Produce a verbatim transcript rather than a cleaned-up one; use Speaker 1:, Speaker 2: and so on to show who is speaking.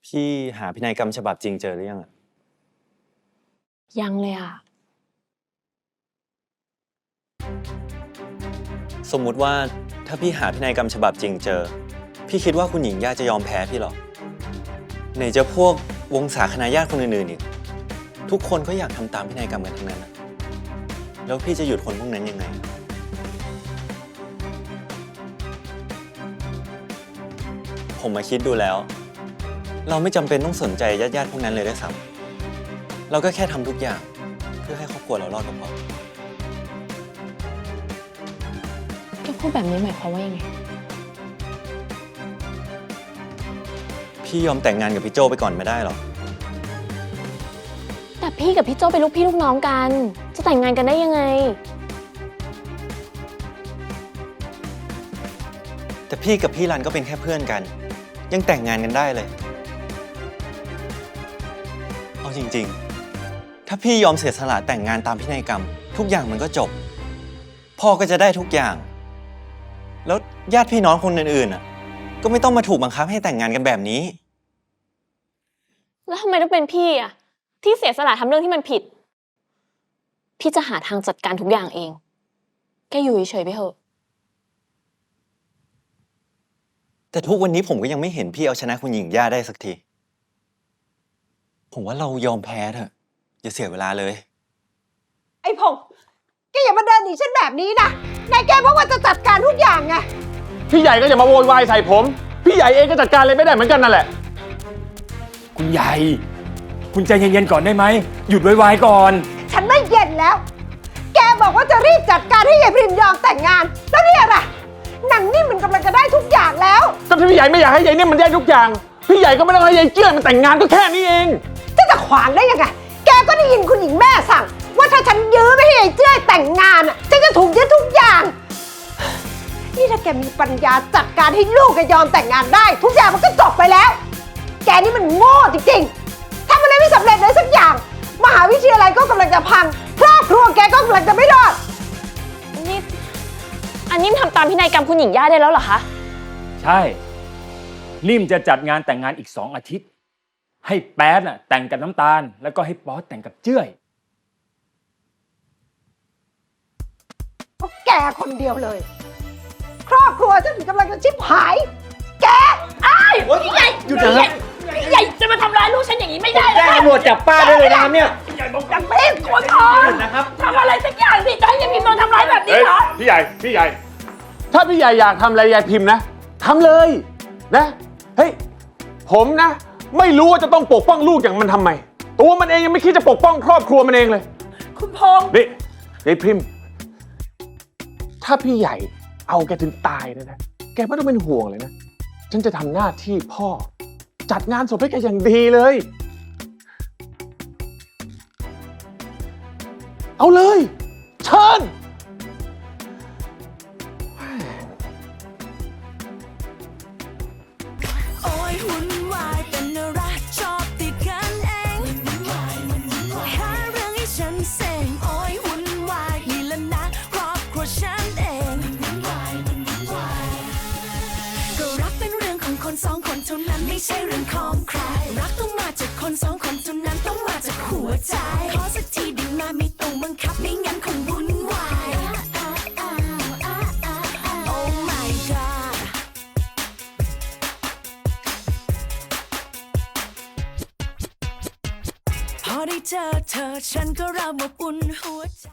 Speaker 1: พี่หาพินัยกรรมฉบับจริงเจอหรือยังอะ
Speaker 2: ยังเลยอ่ะ
Speaker 1: สมมุติว่าถ้าพี่หาพินัยกรรมฉบับจริงเจอพี่คิดว่าคุณหญิงย่าจะยอมแพ้พี่หรอไหนจะพวกวงศาคณาญาติคนอื่นๆอีกทุกคนก็อยากทำตามพินัยกรรมกันทั้งนั้นนะแล้วพี่จะหยุดคนพวกนั้นยังไงผมมาคิดดูแล้วเราไม่จำเป็นต้องสนใจญาติๆพวกนั้นเลยด้วยซ้ำเราก็แค่ทำทุกอย่างเพื่อให้ครอบครัวเรารอดก็พอ
Speaker 2: แกพูดแบบนี้หมายความว่ายังไง
Speaker 1: พี่ยอมแต่งงานกับพี่โจไปก่อนไม่ได้หรอ
Speaker 2: แต่พี่กับพี่โจเป็นลูกพี่ลูกน้องกันจะแต่งงานกันได้ยังไง
Speaker 1: แต่พี่กับพี่รันก็เป็นแค่เพื่อนกันยังแต่งงานกันได้เลยเอาจริงๆถ้าพี่ยอมเสียสละแต่งงานตามพินัยกรรมทุกอย่างมันก็จบพ่อก็จะได้ทุกอย่างแล้วญาติพี่น้องคนอื่นๆอ่ะก็ไม่ต้องมาถูกบังคับให้แต่งงานกันแบบนี้
Speaker 2: แล้วทำไมต้องเป็นพี่อ่ะที่เสียสละทำเรื่องที่มันผิดพี่จะหาทางจัดการทุกอย่างเองแกอยู่เฉยๆไปเถอะ
Speaker 1: แต่ทุกวันนี้ผมก็ยังไม่เห็นพี่เอาชนะคุณหญิงย่าได้สักทีผมว่าเรายอมแพ้เถอะอย่าเสียเวลาเลย
Speaker 3: ไอ้พงษ์แกอย่ามาเดินหนีฉันแบบนี้นะนายแกบอกว่าจะจัดการทุกอย่างไง
Speaker 4: พี่ใหญ่ก็อย่ามาโวยวายใส่ผมพี่ใหญ่เองก็จัดการอะไรไม่ได้เหมือนกันนั่นแหละ
Speaker 5: คุณใหญ่คุณใจเย็นๆก่อนได้ไหมหยุดไวๆก่อน
Speaker 3: ฉันไม่เย็นแล้วแกบอกว่าจะรีบจัดการให้ยายพิมยอมแต่งงานแล้วเนี่ยล่ะหนังนี่มันกำลังจะได้ทุกอย่างแล้ว
Speaker 4: ก็ถ้าพี่ใหญ่ไม่อยากให้ยายเนี่ยมันได้ทุกอย่างพี่ใหญ่ก็ไม่ต้องให้ยายเจื้อนมันแต่งงานก็แค่นี้เอง
Speaker 3: จะจะขวางได้ยังไงแกก็ได้ยินคุณหญิงแม่สั่งว่าถ้าฉันยื้อไม่ให้ยายเจื้อแต่งงานอ่ะฉันจะถูกยึดทุกอย่างนี่ถ้าแกมีปัญญาจัดการให้ลูกแกยอมแต่งงานได้ทุกอย่างมันก็จบไปแล้วแกนี่มันโง่จริงๆทำอะไรไม่สำเร็จเลยสักอย่างมหาวิทยาลัยก็กำลังจะพังครอบครัวแกก็กำลังจะไม่รอด
Speaker 2: นี่อันนี้ทำตามพินัยกรรมคุณหญิงย่าได้แล้วเหรอคะ
Speaker 5: ใช่นิ่มจะจัดงานแต่งงานอีกสองอาทิตย์ให้แป๊ดน่ะแต่งกับน้ำตาลแล้วก็ให้ป๊อตแต่งกับเจ้ย
Speaker 3: เพราะแกคนเดียวเลยครอบครัวฉันกำลังจะชิบหายแก
Speaker 2: ไอ้พี่ใหญ่หยุดเลยพี่ใหญ่จะมาทำร้ายลูกฉันอย่างนี้ไม่ได้เลย
Speaker 6: แจ้งตำรวจจับป้าได้เลยนะครับเนี่ย
Speaker 2: พี่ใหญ่บอกจับไม่กดคอนะครับทำอะไรสักอย่างสิจะให้ยายพิมพ์โดนทำร้ายแบบนี้เหรอ
Speaker 4: พี่ใหญ่พี่ใหญ่ถ้าพี่ใหญ่อยากทำอะไรยายพิมพ์นะทำเลยนะเฮ้ยผมนะไม่รู้ว่าจะต้องปกป้องลูกอย่างมันทำไมตัวมันเองยังไม่คิดจะปกป้องครอบครัวมันเองเลย
Speaker 2: คุณพงษ์
Speaker 4: นี่ยายพิมพ์ถ้าพี่ใหญ่เอาแกถึงตายเลยนะแกไม่ต้องเป็นห่วงเลยนะฉันจะทำหน้าที่พ่อจัดงานศพให้แกอย่างดีเลยเอาเลยเชิญ
Speaker 7: สองคนเท่านั้นไม่ใช่เรื่องของใครรักต้องมาจากคนสองคนเท่านั้นต้องมาจากหัวใจขอสักทีได้มาไม่ต้องบังคับไม่งั้นคงวุ่นวาย Oh my god พอได้เจอเธอฉันก็เริ่มอบอุ่นหัวใจ